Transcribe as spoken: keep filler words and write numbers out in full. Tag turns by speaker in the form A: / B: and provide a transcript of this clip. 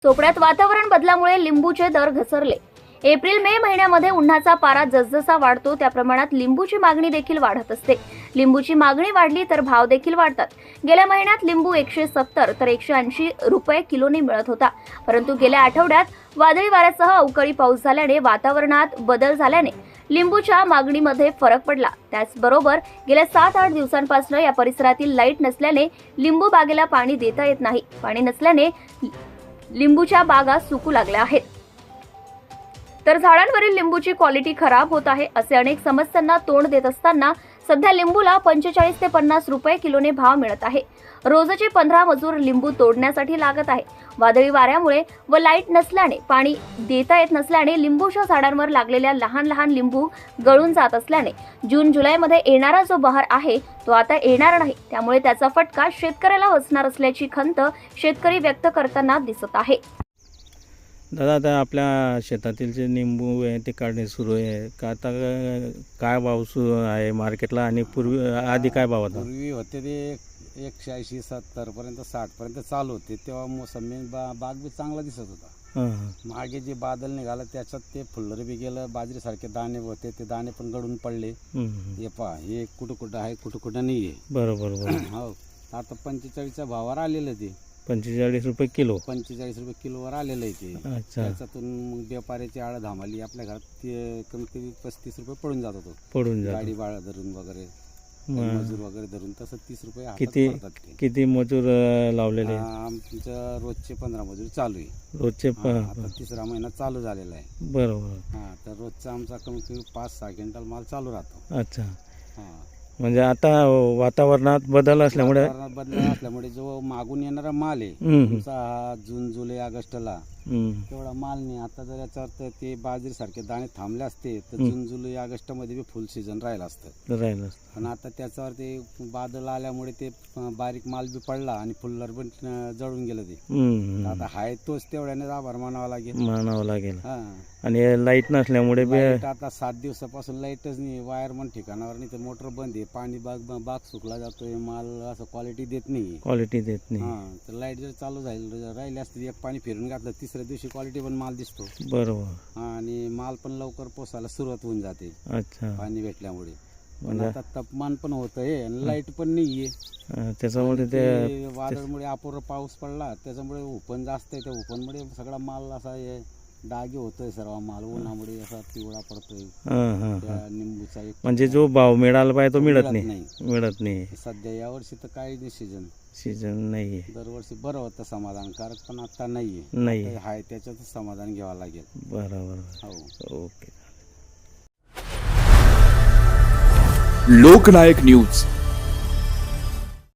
A: चोपड्यात वातावरण बदलामुळे लिंबूचे दर घसरले। एप्रिल मे महिन्यामध्ये उन्हाचा पारा जसजसा वाढतो त्या प्रमाणात लिंबूची मागणी देखील वाढत असते। लिंबूची मागणी वाढली तर भाव देखील वाढतात। गेल्या महिन्यात लिंबू एकशे सत्तर तर एकशे ऐंशी रुपये किलोने मिळत होता, परंतु गेल्या आठवड्यात वादळी वाऱ्यासह अवकाळी पाऊस झाल्याने वातावरणात बदल झाल्याने लिंबूच्या मागणीमध्ये फरक पडला। त्याचबरोबर गेल्या सात आठ दिवसांपासून या परिसरातील लाईट नसल्याने लिंबू बागेला पाणी देता येत नाही। पाणी नसल्याने लिंबूच्या बागा सुकू लागल्या आहेत, तर झाडांवरील लिंबूची क्वालिटी खराब होत आहे। असे अनेक समस्यांना तोंड देत असताना सध्या लिंबूला पंचेचाळीस ते पन्नास रुपये किलोने भाव मिळत आहे। रोजचे पंधरा मजूर लिंबू तोडण्यासाठी लागत आहे। वादळी वाऱ्यामुळे व लाईट नसल्याने पाणी देता येत नसल्याने लिंबूच्या झाडांवर लागलेल्या लहान लहान लिंबू गळून जात असल्याने जून जुलैमध्ये येणारा जो बहार आहे तो आता येणार नाही। त्यामुळे त्याचा फटका शेतकऱ्याला बसणार असल्याची खंत शेतकरी व्यक्त करताना दिसत आहे।
B: दादा, आता आपल्या शेतातील जे निंबू आहे ते काढणे सुरू आहे का? आता काय भाव सुरू आहे मार्केटला आणि पूर्वी आधी काय भाव होता?
C: पूर्वी होते ते एकशे ऐंशी सत्तरपर्यंत साठपर्यंत चालू होते, तेव्हा मोसंबी बा बाग बी चांगला दिसत होता। मागे जे बादल निघालं त्याच्यात ते फुल्लर बी गेलं, बाजरीसारखे दाणे होते ते दाणे पण गळून पडले। हे पहा, हे कुठं कुठं आहे कुठं कुठं नाही आहे।
B: बरोबर बरोबर
C: हो, आता पंचेचाळीसच्या भावावर आलेलं ते
B: पंचेचाळीस रुपये किलो
C: पंचेचाळीस रुपये किलोवर आलेलं आहे ते।
B: अच्छा,
C: त्याच्यातून मग व्यापाऱ्याची आळ धामाली आपल्या घरात ते कमीत कमी पस्तीस रुपये पडून जात होतो,
B: पडून जातो।
C: गाडी भाडा धरून वगैरे मजूर वगैरे धरून तसं तीस रुपये हातात
B: किती
C: पडतात ते।
B: किती मजूर अं, लावलेले?
C: आमच्या रोजचे पंधरा मजूर चालू आहे।
B: रोजचे प-
C: हा, आता तिसरा महिना चालू झालेला आहे।
B: बरोबर।
C: हा, तर रोजचा आमचा कमीत कमी पाच सहा क्विंटल माल चालू राहतो।
B: अच्छा,
C: हा,
B: म्हणजे आता वातावरणात बदल असल्यामुळे
C: वातावरणात बदल असल्यामुळे जो मागून येणारा माल आहे
B: हम्म,
C: तुमचा हा जून जुलै ऑगस्टला
B: हम्म,
C: तेवढा माल नाही। आता जर याच्यावर ते बाजरी सारखे दाणे थांबले असते तर जून जुलै ऑगस्ट मध्ये बी फुल सीझन राहिलं असतं,
B: राहिलं
C: पण आता त्याच्यावर ते बादल आल्यामुळे ते बारीक माल बी पडला आणि फुल्लर पण जळून गेलं ते।
B: हम्म,
C: आता हाय तोच तेवढ्याने आभार मानावा लागेल।
B: मानावं लागेल।
C: हा,
B: आणि लाईट नसल्यामुळे बी
C: लाईट आता सात दिवसापासून लाईटच नाही, वायरमन ठिकाणावर नाही, तर मोटर बंद आहे, पाणी बाग बाग सुकला जातोय, माल असं क्वालिटी देत नाही।
B: क्वालिटी देत नाही।
C: हा, तर लाईट जर चालू झाली राहिली असते, एक पाणी फिरून घातलं तिसऱ्या दिवशी क्वालिटी पण माल दिसतो।
B: बरोबर।
C: हा, आणि माल पण लवकर पोसायला सुरुवात होऊन जाते
B: अच्छा,
C: पाणी भेटल्यामुळे। पण
B: म्हणजे
C: आता तापमान पण होतंय आणि लाईट पण नाहीये।
B: अं, त्याच्यामुळे ते
C: ते वादळमुळे अपुरा पाऊस पडला, त्याच्यामुळे उपन जास्त आहे, त्या उपनमुळे सगळा माल असा हे डागे होतोय, सर्व माल उन्हामुळे असा पिवळा पडतोय।
B: हां हां
C: त्या
B: हां
C: निंबूचा एक
B: म्हणजे जो भाव मिळाला पाहिजे तो
C: तो
B: मिळत
C: मिळत
B: नाही
C: नाही।
B: मिळत नाही
C: सध्या यावर्षी तर काही नाही सीझन,
B: सीजन नाही आहे।
C: दरवर्षी बरं होतं समाधानकारक, पण आता नाहीये।
B: नाही
C: आता हाय त्याच्यातच समाधान घ्यावं लागेल।
B: बरोबर।
C: हो,
B: ओके।
D: लोकनायक न्यूज